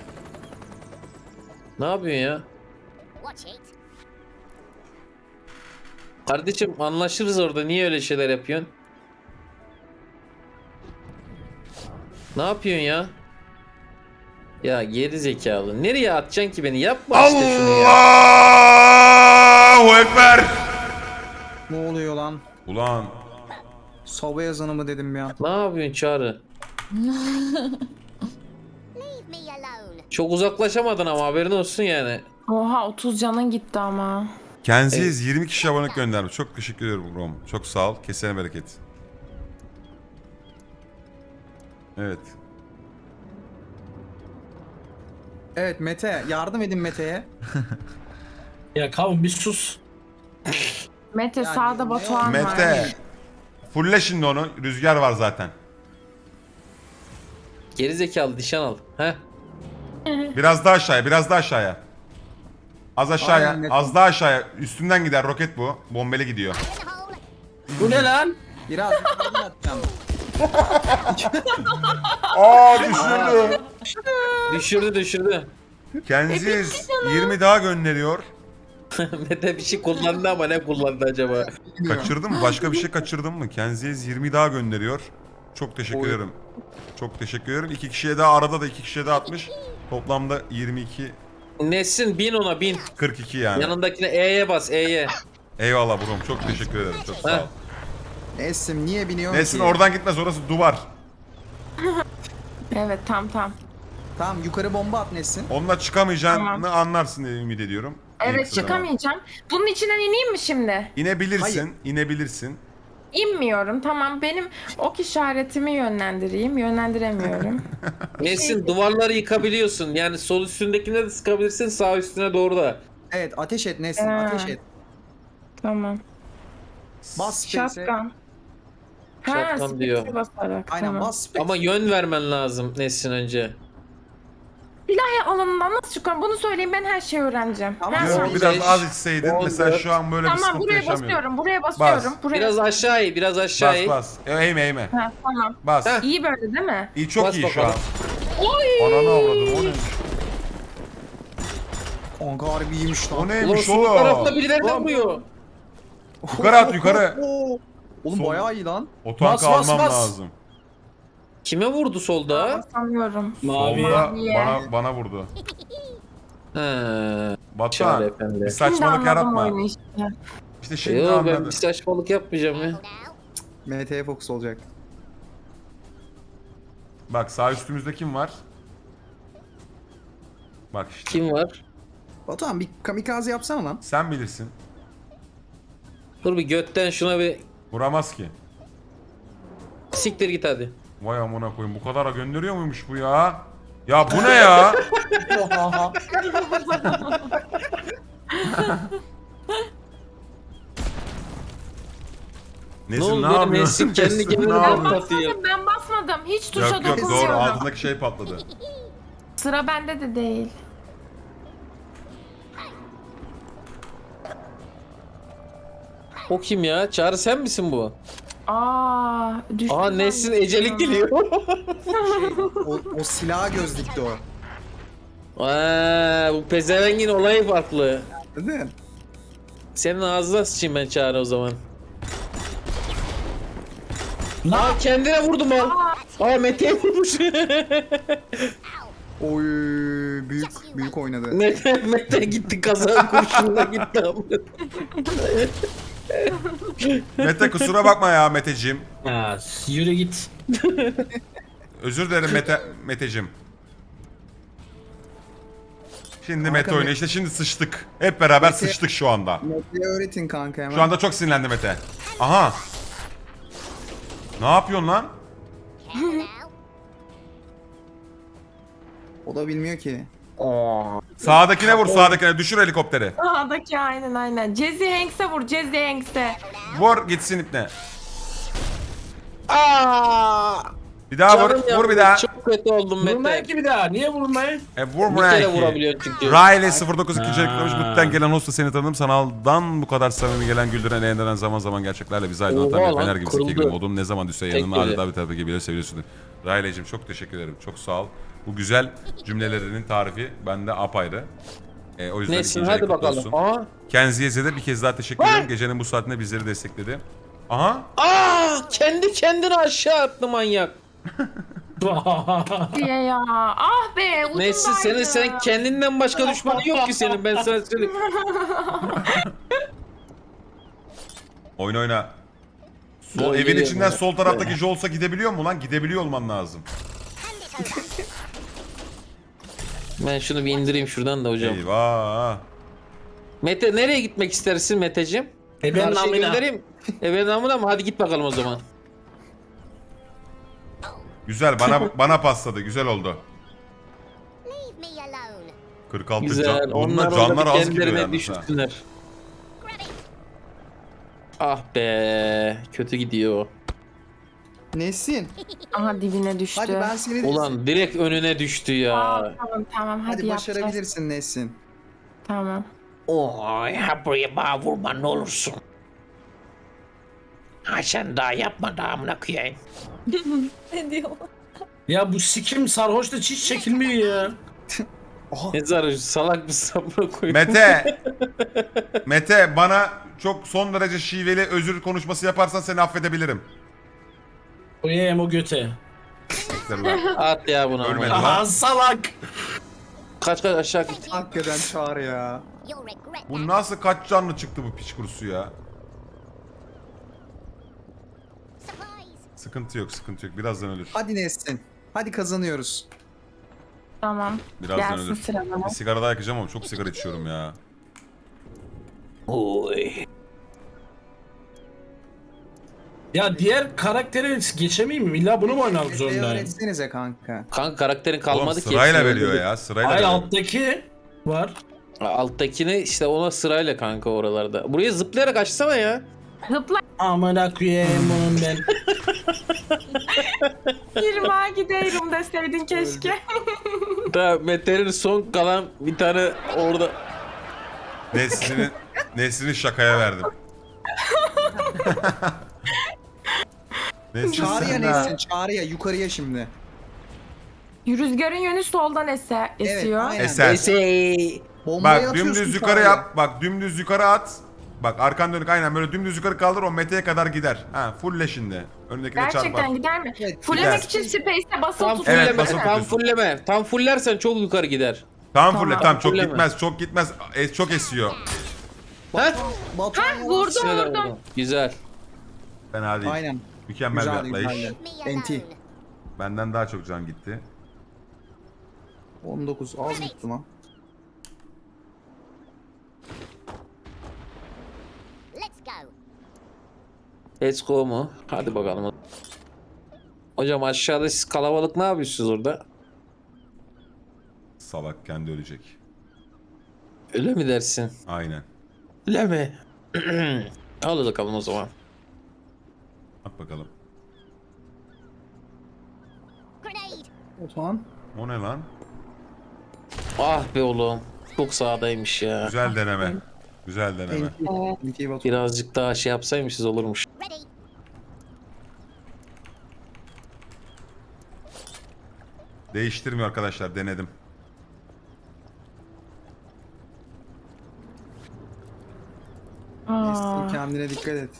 Speaker 2: Ne yapıyorsun ya? Kardeşim anlaşırız orada, niye öyle şeyler yapıyorsun? Ne yapıyorsun ya? Ya geri zekalı. Nereye atacaksın ki beni? Yapma işte şunu ya.
Speaker 1: Allahu Ekber!
Speaker 4: Ne oluyor lan?
Speaker 1: Ulan
Speaker 4: Soba yazanı mı dedim ya?
Speaker 2: Ne yapıyorsun Çağrı? Çok uzaklaşamadın ama haberin olsun yani.
Speaker 6: Oha otuz canın gitti ama.
Speaker 1: Kenziz yirmi kişi abonelik göndermiş. Çok teşekkür ederim Rom. Çok sağ ol. Kesene bereket. Evet.
Speaker 4: Evet Mete yardım edin Mete'ye.
Speaker 7: Ya kavun bir sus.
Speaker 6: Mete
Speaker 4: Yani
Speaker 6: sağda
Speaker 4: ne-
Speaker 6: Batuhan var.
Speaker 1: Mete. Fulle şimdi onu. Rüzgar var zaten.
Speaker 2: Geri zekalı nişan al. Heh.
Speaker 1: Biraz daha aşağıya. Biraz daha aşağıya. Az aşağıya.
Speaker 4: Aynen, Mete.
Speaker 1: Az daha aşağıya. Üstünden gider roket bu. Bombeli gidiyor.
Speaker 2: Bu ne lan?
Speaker 4: Biraz yukarıdan atacağım.
Speaker 1: Aa düşürdü.
Speaker 2: Düşürdü düşürdü.
Speaker 1: Kenziz yirmi daha gönderiyor.
Speaker 2: Mete bir şey kullandı ama ne kullandı acaba?
Speaker 1: Kaçırdın mı? Başka bir şey kaçırdın mı? Kenziz yirmi daha gönderiyor. Çok teşekkür
Speaker 4: Oy.
Speaker 1: ederim. Çok teşekkür ederim. İki kişiye daha, arada da iki kişiye daha atmış. Toplamda yirmi iki,
Speaker 2: Nesin bin ona bin.
Speaker 1: kırk iki yani.
Speaker 2: Yanındakine E'ye bas E'ye.
Speaker 1: Eyvallah brom. Çok teşekkür ederim. Çok sağ ol.
Speaker 4: Nesin niye biniyorsun
Speaker 1: Nesin
Speaker 4: ki?
Speaker 1: oradan gitmez, orası duvar.
Speaker 6: Evet tam tam.
Speaker 4: Tamam yukarı bomba at Nesin.
Speaker 1: Onunla çıkamayacağını
Speaker 6: Tamam.
Speaker 1: anlarsın diye ümit ediyorum. En
Speaker 6: Evet
Speaker 1: kısa zamanda.
Speaker 6: çıkamayacağım. Bunun içinden ineyim mi şimdi?
Speaker 1: İnebilirsin,
Speaker 4: Hayır.
Speaker 1: inebilirsin.
Speaker 6: İnmiyorum. Tamam benim ok işaretimi yönlendireyim. Yönlendiremiyorum.
Speaker 2: Nesin duvarları yıkabiliyorsun. Yani sol üstündekine de sıkabilirsin, sağ üstüne doğru da.
Speaker 4: Evet ateş et Nesin
Speaker 6: Ee.
Speaker 4: ateş et.
Speaker 6: Tamam.
Speaker 4: Bas space'e.
Speaker 6: Shotgun. Ha,
Speaker 2: Shotgun
Speaker 6: space'e
Speaker 2: diyor.
Speaker 6: basarak.
Speaker 4: Aynen
Speaker 6: tamam.
Speaker 4: bas space.
Speaker 2: Ama yön vermen lazım Nesin önce.
Speaker 6: İlahi alanından nasıl çıkıyorum? Bunu söyleyeyim, ben her şeyi öğreneceğim.
Speaker 4: Tamam.
Speaker 6: Ben
Speaker 1: Diyorum,
Speaker 6: söyleyeceğim.
Speaker 1: biraz az içseydin
Speaker 2: on
Speaker 1: mesela
Speaker 2: dört.
Speaker 1: şu an böyle bir
Speaker 6: Tamam,
Speaker 1: sıkıntı
Speaker 6: buraya
Speaker 1: yaşamıyordun.
Speaker 6: basıyorum. Buraya basıyorum. Buraya.
Speaker 2: Biraz aşağı in, biraz aşağı
Speaker 1: Bas
Speaker 2: in.
Speaker 1: bas. E, eğme eğme.
Speaker 6: Ha, tamam.
Speaker 1: Bas.
Speaker 2: Heh.
Speaker 6: İyi böyle değil mi?
Speaker 1: İyi, çok
Speaker 2: Bas
Speaker 1: iyi şu an.
Speaker 2: bakalım.
Speaker 1: Ananı avradım, o neymiş?
Speaker 4: Kanka harbi iyiymiş
Speaker 1: O
Speaker 4: lan.
Speaker 2: Ulan
Speaker 1: neymiş
Speaker 2: sol tarafta
Speaker 1: oğlum?
Speaker 2: birileri vuruyor.
Speaker 1: Yukarı at yukarı.
Speaker 4: Oo. Oğlum
Speaker 1: Sol.
Speaker 4: bayağı iyi lan.
Speaker 1: O tankı
Speaker 7: Bas, bas,
Speaker 1: almam
Speaker 7: bas.
Speaker 1: lazım.
Speaker 2: Kime vurdu solda?
Speaker 6: Basamıyorum.
Speaker 7: Mavi.
Speaker 1: Solda
Speaker 6: Maviye.
Speaker 1: bana, bana vurdu.
Speaker 2: He.
Speaker 1: Batuhan
Speaker 2: Çağrı efendi.
Speaker 1: bir
Speaker 6: Şimdi
Speaker 1: saçmalık
Speaker 6: anladım
Speaker 1: yaratma.
Speaker 6: oyunu işte.
Speaker 1: İşte şimdi
Speaker 2: Yo, ben
Speaker 1: anladım.
Speaker 2: bir saçmalık yapmayacağım ya.
Speaker 4: M T'ye fokus olacak.
Speaker 1: Bak sağ üstümüzde kim var? Bak işte.
Speaker 2: Kim var?
Speaker 4: Batuhan bir kamikaze yapsana lan.
Speaker 1: Sen bilirsin.
Speaker 2: Dur bir götten şuna bir
Speaker 1: Vuramaz ki.
Speaker 2: siktir git hadi.
Speaker 1: Vay amına koyayım, bu kadara gönderiyor muymuş bu ya? Ya bu ne ya?
Speaker 2: Ne
Speaker 1: Nesin
Speaker 2: oldu
Speaker 1: ne
Speaker 2: benim
Speaker 1: yapıyorsun?
Speaker 2: Nesin kendi
Speaker 1: Nesin,
Speaker 2: kendine
Speaker 1: ne
Speaker 6: Ben
Speaker 1: yapıyorsun?
Speaker 2: patlatıyor.
Speaker 6: basmadım, ben basmadım. Hiç tuşa
Speaker 1: Yok yok doğru,
Speaker 6: dokunmuyorum.
Speaker 1: altındaki şey patladı.
Speaker 6: Sıra bende de değil.
Speaker 2: O kim ya? Çağrı sen misin bu?
Speaker 6: Aa, düştü.
Speaker 2: Aa Nesin ecelik geliyor.
Speaker 4: O, o silah göz dikti o.
Speaker 2: Aa, bu pezevengin olayı farklı.
Speaker 4: Değil mi?
Speaker 2: Senin ağzına sıçayım ben Çağrı o zaman.
Speaker 7: Ne yap-
Speaker 2: Aa kendine vurdum lan. Aa Mete'ye vurmuş.
Speaker 4: Oy büyük büyük oynadı.
Speaker 2: Mete, Mete gitti kazan kurşununa gitti.
Speaker 1: Mete kusura bakma ya Meteciğim.
Speaker 7: Ha, yürü git.
Speaker 1: Özür dilerim Mete, Meteciğim. Şimdi
Speaker 4: Kanka,
Speaker 1: Mete oynuyor.
Speaker 4: Mete-
Speaker 1: İşte şimdi sıçtık. Hep beraber
Speaker 4: Mete-
Speaker 1: sıçtık şu anda.
Speaker 4: Mete'ye öğretin kanka hemen.
Speaker 1: Şu anda çok sinirlendi Mete. Aha. Ne yapıyorsun lan?
Speaker 4: O da bilmiyor ki.
Speaker 1: Sağdakine vur, sağdakine. Düşür helikopteri.
Speaker 6: Sağdaki aynen aynen. Jesse Hanks'e vur, Jesse Hanks'e.
Speaker 1: Vur gitsin ipne.
Speaker 2: Aa!
Speaker 1: Bir daha
Speaker 2: Canım
Speaker 1: vur. Vur
Speaker 2: yandı,
Speaker 1: bir daha.
Speaker 2: Çok kötü oldum
Speaker 7: Vurmayın
Speaker 2: Mete.
Speaker 7: ki bir daha. Niye vurmayın?
Speaker 1: E vur
Speaker 2: Bir
Speaker 1: buraya
Speaker 2: kere
Speaker 1: iki.
Speaker 2: vurabiliyorsun çünkü.
Speaker 1: Riley sıfır dokuz ikinci
Speaker 7: Ha.
Speaker 1: eklemiş. Mutluluktan gelen olsa seni tanıdım. Sanaldan bu kadar samimi gelen, güldüren, eğlendiren, zaman zaman gerçeklerle bizi aydınlatan
Speaker 2: Oha
Speaker 1: bir
Speaker 2: lan,
Speaker 1: fener gibi
Speaker 2: kırıldı.
Speaker 1: zeki modun ne zaman düşse yanına
Speaker 2: Tek
Speaker 1: adeta bir tabi gibi seviyorsun. Riley'cim çok teşekkür ederim. Çok sağ ol. Bu güzel cümlelerinin tarifi bende apayrı. E, o yüzden
Speaker 2: Nesin
Speaker 1: ikinci ay
Speaker 2: hadi
Speaker 1: kutlu
Speaker 2: bakalım.
Speaker 1: olsun.
Speaker 2: Aa!
Speaker 1: Kenziye'ze de bir kez daha teşekkür ederim. Gecenin bu saatinde bizleri destekledi. Aha.
Speaker 2: Aa! Kendi kendini aşağı attı manyak.
Speaker 6: diye ya. Ah be, ucundaydı.
Speaker 2: Nesin senin sen kendinden başka düşmanın yok ki senin ben sana söyleyeyim.
Speaker 1: Oyna oyna. Sol,
Speaker 2: Gol
Speaker 1: evin
Speaker 2: geliyor
Speaker 1: içinden
Speaker 2: bana.
Speaker 1: sol taraftaki Jols'a gidebiliyor mu lan? Gidebiliyor olman lazım.
Speaker 2: Ben şunu bir indireyim şuradan da hocam.
Speaker 1: Eyvah.
Speaker 2: Mete nereye gitmek istersin Meteciğim?
Speaker 7: E ben
Speaker 2: Karşıya
Speaker 7: namına.
Speaker 2: göndereyim. E ben namına mı? Hadi git bakalım o zaman.
Speaker 1: Güzel bana bana pasladı. Güzel oldu. kırk altı
Speaker 2: Güzel.
Speaker 1: can. Bununla
Speaker 2: Onlar
Speaker 1: canlar
Speaker 2: orada
Speaker 1: az gidiyor
Speaker 2: kendilerine
Speaker 1: yalnız ha.
Speaker 2: düşürsünler. Ah be. Kötü gidiyor.
Speaker 4: Nesin?
Speaker 6: Aha dibine düştü.
Speaker 4: Hadi ben seni
Speaker 2: Ulan direkt önüne düştü
Speaker 6: Aa,
Speaker 2: ya.
Speaker 6: tamam tamam hadi,
Speaker 4: Hadi
Speaker 6: yapacağız.
Speaker 4: başarabilirsin Nesin.
Speaker 6: Tamam.
Speaker 8: Oy, ha buraya bana vurma ne olursun. Ha sen daha yapma daha amına koyayım.
Speaker 3: Ne diyor?
Speaker 7: Ya bu sikim sarhoş da hiç çekilmiyor ya.
Speaker 2: Ne zararı salak bir sabra koyayım.
Speaker 1: Mete. Mete bana çok son derece şiveli özür konuşması yaparsan seni affedebilirim.
Speaker 7: Koyayım o göte.
Speaker 1: Teşekkürler.
Speaker 2: At ya bunu
Speaker 1: Ölmedi
Speaker 2: ama.
Speaker 1: lan.
Speaker 7: Aha salak.
Speaker 2: Kaç kaç aşağı git.
Speaker 4: Hakikaten çağır ya.
Speaker 1: Bu nasıl kaç canlı çıktı bu piç kurusu ya? Sıkıntı yok, sıkıntı yok. Birazdan ölür.
Speaker 4: Hadi Nesin. Hadi kazanıyoruz.
Speaker 6: Tamam.
Speaker 1: Birazdan
Speaker 6: Gelsin
Speaker 1: ölür.
Speaker 6: sıra bana.
Speaker 1: Bir sigara daha yakacağım ama çok sigara içiyorum ya.
Speaker 8: Oy.
Speaker 7: Ya diğer karakteri geçemeyeyim mi? İlla bunu mu oynamak
Speaker 4: Mete'ye
Speaker 7: zorundayım?
Speaker 4: öğretsenize kanka.
Speaker 2: Kanka karakterin
Speaker 1: Oğlum
Speaker 2: kalmadı ki.
Speaker 1: sırayla
Speaker 2: hepsini
Speaker 1: veriyor
Speaker 2: öldürdük.
Speaker 1: ya, sırayla
Speaker 7: Hayır
Speaker 1: veriyor.
Speaker 7: alttaki var.
Speaker 2: Alttakini işte ona sırayla kanka oralarda. Buraya zıplayarak açsana ya.
Speaker 6: Zıpla.
Speaker 7: Amına koyayım bunun ben.
Speaker 6: Yirmi giderim deseydin keşke.
Speaker 2: Da Mete'nin son kalan bir tane orada.
Speaker 1: Nesrin'in Nesrin'in şakaya verdim. Nesrin
Speaker 4: Çağrı'ya
Speaker 1: sen
Speaker 4: neysin?
Speaker 1: ha.
Speaker 4: Çağrı'ya yukarıya şimdi.
Speaker 6: Rüzgarın yönü soldan ese, esiyor.
Speaker 4: aynen.
Speaker 1: Eser.
Speaker 2: Ese.
Speaker 4: Bombayı
Speaker 1: Bak
Speaker 4: atıyorsun
Speaker 1: dümdüz yukarı
Speaker 4: Çağrı'ya.
Speaker 1: yap. Bak dümdüz yukarı at. Bak arkan dönük aynen böyle dümdüz yukarı kaldır o Mete'ye kadar gider. Ha fullle şimdi. Önündekine çarpar.
Speaker 6: Gerçekten gider mi?
Speaker 4: Evet,
Speaker 6: Fullemek
Speaker 1: gider.
Speaker 6: için space'e basılı
Speaker 2: Tam
Speaker 6: tutuyor.
Speaker 1: Evet,
Speaker 2: fulleme,
Speaker 1: basılı
Speaker 2: tam
Speaker 1: tutuyorsun.
Speaker 2: fulleme. Tam fullersen çok yukarı gider.
Speaker 1: Tamam
Speaker 6: Tamam.
Speaker 1: fulle tamam çok
Speaker 2: Fulleme.
Speaker 1: gitmez çok gitmez. E, çok esiyor.
Speaker 2: Ha?
Speaker 4: Batuhan
Speaker 6: Vurdum
Speaker 2: Güzel
Speaker 6: vurdum.
Speaker 2: oldu. Güzel.
Speaker 1: Fena değil.
Speaker 4: Aynen.
Speaker 1: Mükemmel
Speaker 4: Güzel,
Speaker 1: bir atlayış.
Speaker 4: güzel. Enti.
Speaker 1: Benden daha çok can gitti.
Speaker 4: on dokuz az gitti lan.
Speaker 9: Let's go.
Speaker 2: Let's go mu? Hadi bakalım. Hocam aşağıda siz kalabalık ne yapıyorsunuz orada?
Speaker 1: Salak kendi ölecek.
Speaker 2: Öyle mi dersin?
Speaker 1: Aynen.
Speaker 2: Öyle mi? Al bakalım o zaman.
Speaker 1: At bakalım.
Speaker 9: Grenade.
Speaker 4: Batuhan.
Speaker 1: O ne lan?
Speaker 2: Ah be oğlum. Çok sağdaymış ya.
Speaker 1: Güzel deneme. Güzel deneme.
Speaker 4: Enti. Enti Batuhan.
Speaker 2: Birazcık daha şey yapsaymışız olurmuş.
Speaker 9: Ready.
Speaker 1: Değiştirmiyor arkadaşlar denedim.
Speaker 6: Aa,
Speaker 4: Nesrin, kendine dikkat et.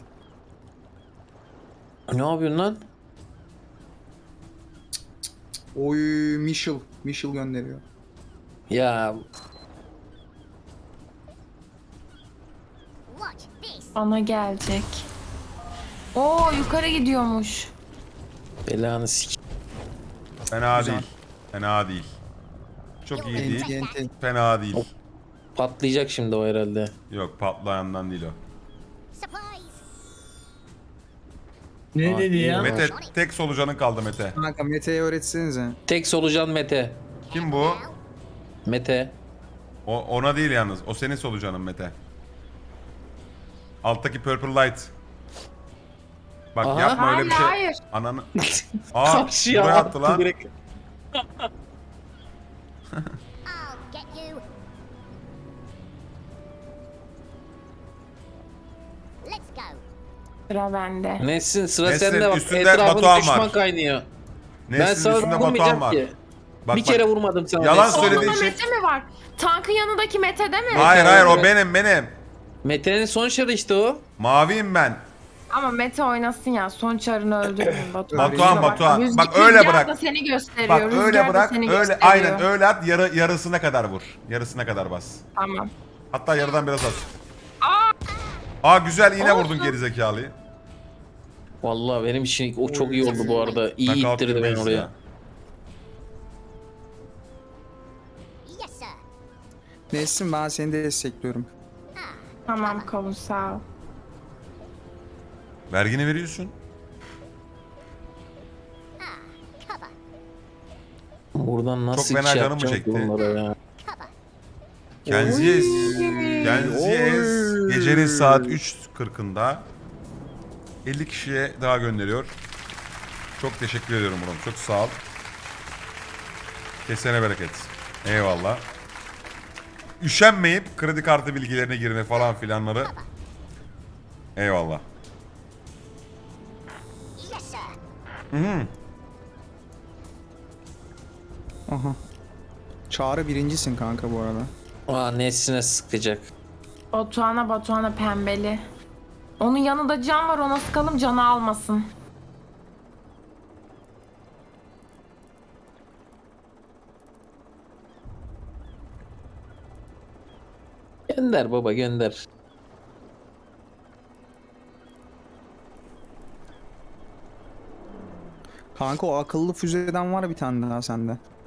Speaker 2: Ne yapıyorsun lan?
Speaker 4: Oy Michel. Michel gönderiyor.
Speaker 2: Ya
Speaker 9: Watch this.
Speaker 6: bana gelecek. Oo yukarı gidiyormuş.
Speaker 2: belanı sik.
Speaker 1: Fena
Speaker 4: Güzel.
Speaker 1: değil. Fena değil. Çok iyi değil.
Speaker 4: Enti enti.
Speaker 1: Fena değil.
Speaker 2: Patlayacak şimdi o herhalde.
Speaker 1: Yok patlayandan değil o.
Speaker 9: Supplies.
Speaker 7: Ne
Speaker 2: Aa,
Speaker 7: dedi ya?
Speaker 2: iyi.
Speaker 1: Mete tek solucanın kaldı Mete.
Speaker 4: Kanka Mete'ye öğretsenize.
Speaker 2: Tek solucan Mete.
Speaker 1: Kim bu?
Speaker 2: Mete.
Speaker 1: O ona değil yalnız. O senin solucanın Mete. Alttaki purple light. Bak
Speaker 2: Aha.
Speaker 1: yapma öyle bir şey.
Speaker 6: Hayır,
Speaker 1: Ananı. Aa
Speaker 2: Karşıya
Speaker 1: buraya attı lan.
Speaker 2: direkt.
Speaker 9: I'll get you. Let's go.
Speaker 6: sıra bende.
Speaker 2: Nesin sıra
Speaker 1: Nesin,
Speaker 2: sende bak.
Speaker 1: üstünde
Speaker 2: Etrafın
Speaker 1: Batuhan
Speaker 2: düşman
Speaker 1: var.
Speaker 2: kaynıyor. ben
Speaker 1: Nesin
Speaker 2: sana
Speaker 1: üstünde
Speaker 2: vurmayacağım
Speaker 1: Batuhan var.
Speaker 2: ki.
Speaker 1: Bak,
Speaker 2: bir
Speaker 1: bak.
Speaker 2: kere vurmadım sana.
Speaker 1: Yalan
Speaker 2: Nesin.
Speaker 1: söylediğin
Speaker 6: Solunda
Speaker 1: şey-
Speaker 6: Mete mi var? Tankın yanındaki Mete'de mi?
Speaker 1: Hayır hayır o
Speaker 2: Evet.
Speaker 1: benim benim.
Speaker 2: Mete'nin son şarı işte o.
Speaker 1: Maviyim ben.
Speaker 6: Ama Mete oynasın ya. Son çarını öldürmeyin Batuhan.
Speaker 1: Batuhan,
Speaker 6: Kusura bakma.
Speaker 1: Batuhan.
Speaker 6: Rüzgar-
Speaker 1: Bak öyle
Speaker 6: Rüzgar
Speaker 1: bırak.
Speaker 6: da seni gösteriyor.
Speaker 1: Bak
Speaker 6: Rüzgar
Speaker 1: öyle
Speaker 6: da
Speaker 1: bırak.
Speaker 6: seni
Speaker 1: Öyle
Speaker 6: gösteriyor.
Speaker 1: aynen öyle at. Yarı, yarısına kadar vur. Yarısına kadar bas.
Speaker 6: Tamam.
Speaker 1: Hatta yarıdan biraz az. Aa güzel yine vurdun
Speaker 6: Olsun.
Speaker 1: gerizekalıyı.
Speaker 2: Vallahi benim için o çok iyi oldu bu arada. İyi
Speaker 1: Knockout
Speaker 2: ittirdi beni
Speaker 1: yemeyiz
Speaker 2: oraya.
Speaker 1: ya.
Speaker 9: Yes, sir.
Speaker 4: Nesrin ben seni de destekliyorum.
Speaker 6: Tamam kavun sağ ol.
Speaker 1: Vergini veriyorsun.
Speaker 9: Cover.
Speaker 2: Buradan nasıl
Speaker 1: fena
Speaker 2: iş
Speaker 1: canım
Speaker 2: yapacağım
Speaker 1: çekti.
Speaker 2: bunlara ya.
Speaker 9: Cover.
Speaker 1: Kenziez. Kenziez gecenin saat üç kırkında elli kişiye daha gönderiyor. Çok teşekkür ediyorum Murat. Çok sağ ol. Kesene bereket. Eyvallah. Üşenmeyip kredi kartı bilgilerine girme falan filanları. Eyvallah.
Speaker 9: Yes, sir.
Speaker 1: Hı hı.
Speaker 4: Aha. Çağrı birincisin kanka bu arada.
Speaker 2: Aa Nesine sıkacak.
Speaker 6: Batuhan'a Batuhan'a pembeli. Onun yanında can var, ona sıkalım canı almasın.
Speaker 2: Gönder baba gönder.
Speaker 4: Kanka o akıllı füzeden var bir tane daha sende.